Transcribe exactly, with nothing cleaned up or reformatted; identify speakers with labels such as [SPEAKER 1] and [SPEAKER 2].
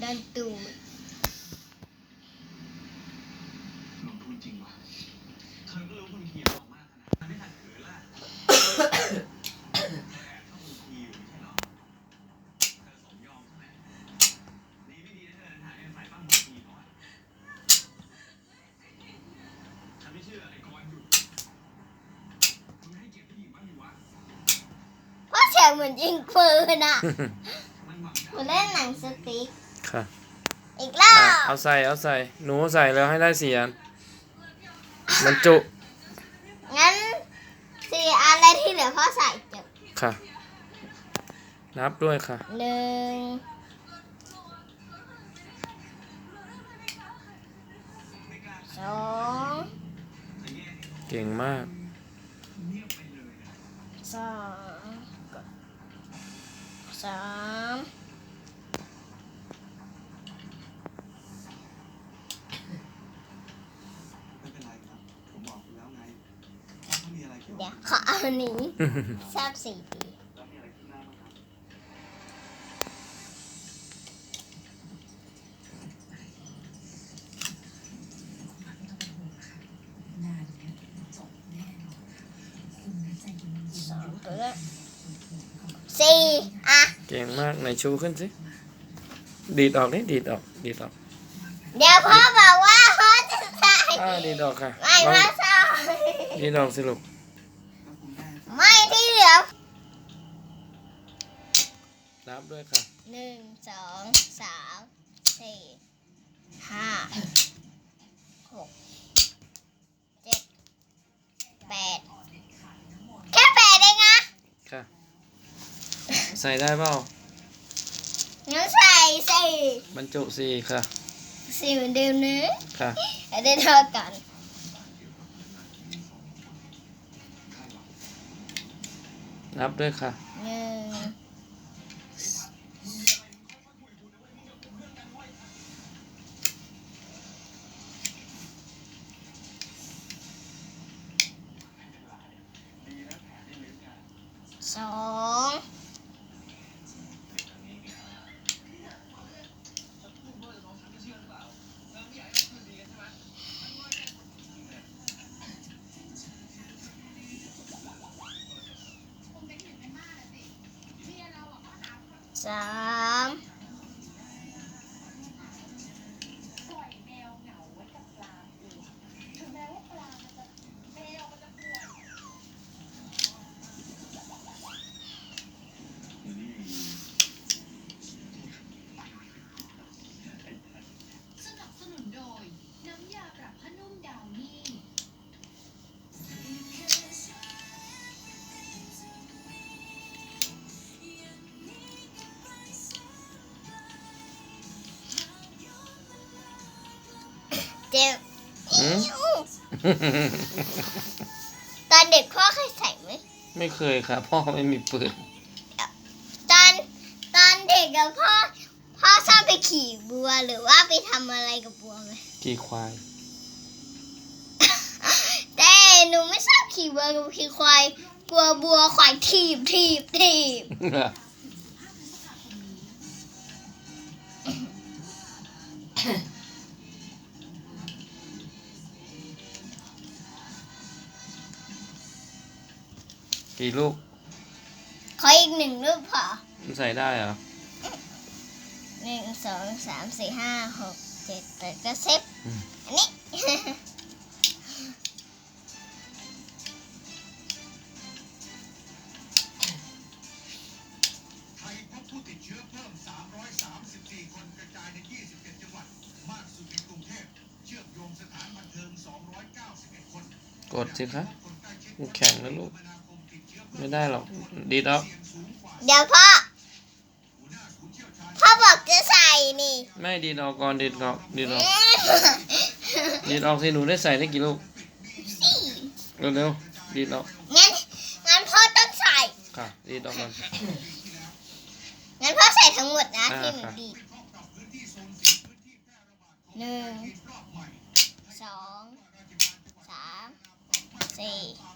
[SPEAKER 1] ดันตูด
[SPEAKER 2] ลงทุนจริงวะเธอก็รู้คุณทีออกมากขนาดนั้นไม่ทันเขินละเธอแอบชอบคุณทีอยู่ไม่ใช่หรอเธอสมยอมใช่ไหมดีไม่ดีนะเธอถ่ายใส่ปั้มคุณทีเขาอะฉันไม่เชื่อไอ้กอนอยู่มึงให้เกียรติผู้หญิงบ้างดิวะ
[SPEAKER 1] เพราะเสียงเหมือนยิงปืนอ่ะเหมือนเล่นหนังสติ๊ก
[SPEAKER 3] ค่ะ
[SPEAKER 1] อีกรอบ
[SPEAKER 3] เอาใส่เอาใส่หนูใส่แล้วให้ได้สี่อันบรรจุ
[SPEAKER 1] งั้นสี่อันแล้วที่เหลือพ่อใส่จบ
[SPEAKER 3] ค่ะนับด้วยค่ะ
[SPEAKER 1] หนึ่งสอง
[SPEAKER 3] เก่งมาก
[SPEAKER 1] สองสาม
[SPEAKER 2] ไม่เป็นไรครับผมบอกคุณแล้วไงถ้ามีอะไรเกี่ยว
[SPEAKER 1] เดี๋ยวขอเอาอันนี้ทราบสี่ปี
[SPEAKER 2] แล้วมีอะไรที่หน้าบ้างครับ
[SPEAKER 1] สองตัวแล้วสี่อ่ะ
[SPEAKER 3] เก่งมากไหนชูขึ้นสิดีดออกนี่ดีดออกดีดออก
[SPEAKER 1] เดี๋ยวพ่อบอกว่าพ่อจะใส่
[SPEAKER 3] อ่าดีดออกค่ะ
[SPEAKER 1] ไม่พ่อใส่
[SPEAKER 3] ดีดออกสิลูก
[SPEAKER 1] ไม่ที่เหลือ
[SPEAKER 3] นับด้วยค่ะ
[SPEAKER 1] หนึ่งสองสามสี่ห้าหกเจ็ดแปดแค่แปดเองนะ
[SPEAKER 3] ค่ะใส่ได้เปล่า
[SPEAKER 1] งั้นใส่สี่
[SPEAKER 3] บรรจุสี่ค่ะ
[SPEAKER 1] สี่เหมือนเดิมนะ
[SPEAKER 3] ค่ะ
[SPEAKER 1] ได้เท่ากัน
[SPEAKER 3] นับด้วยค่ะ
[SPEAKER 1] หนึ่งสองสาม
[SPEAKER 4] สนับสนุนโดยน้ำยาปรับผ้านุ่มดาวนี่
[SPEAKER 1] เจ็บ
[SPEAKER 3] อืม
[SPEAKER 1] ตอนเด็กพ่อเคยใส่ไหม
[SPEAKER 3] ไม่เคยค่ะพ่อไม่มีปืน
[SPEAKER 1] ตอนตอนเด็กกับพ่อพ่อชอบไปขี่บัวหรือว่าไปทำอะไรกับบัวไหม
[SPEAKER 3] ขี่ควาย
[SPEAKER 1] แต่หนูไม่ชอบขี่บัวกับขี่ควายกลัวบัวควายถีบถีบถีบ
[SPEAKER 3] กี่ลูก
[SPEAKER 1] ขออีกหนึ่งลูกพอ
[SPEAKER 3] มันใส่ได้เหรอ
[SPEAKER 1] หนึ่งสองสามสี่ห้าหกเจ็ดแปดก็สิบอันนี้
[SPEAKER 2] ไทยพบผู้ติดเชื้อเพิ่มสามร้อยสามสิบสี่คนกระจายในยี่สิบเอ็ดจังหวัดมากสุดในกรุงเทพเชื่อมโยงสถานบันเทิงสองร้อยเก้าสิบเอ็ดคน
[SPEAKER 3] กดสิคะมันแข็งนะลูกไม่ได้หรอกดีดออก
[SPEAKER 1] เดี๋ยวพ่อพ่อบอกจะใส่นี่
[SPEAKER 3] ไม่ดีดออกก่อนดีดออกดีดออกดีดออกสิหนูได้ใส่ได้กี่ลูกเร็วๆดีดออก
[SPEAKER 1] งั้นงั้นพ่อต้องใส่
[SPEAKER 3] ค่ะดีดออกก่อน
[SPEAKER 1] งั้นพ่อใส่ทั้งหมดนะที่หนูดีดหนึ่งสองสามสี่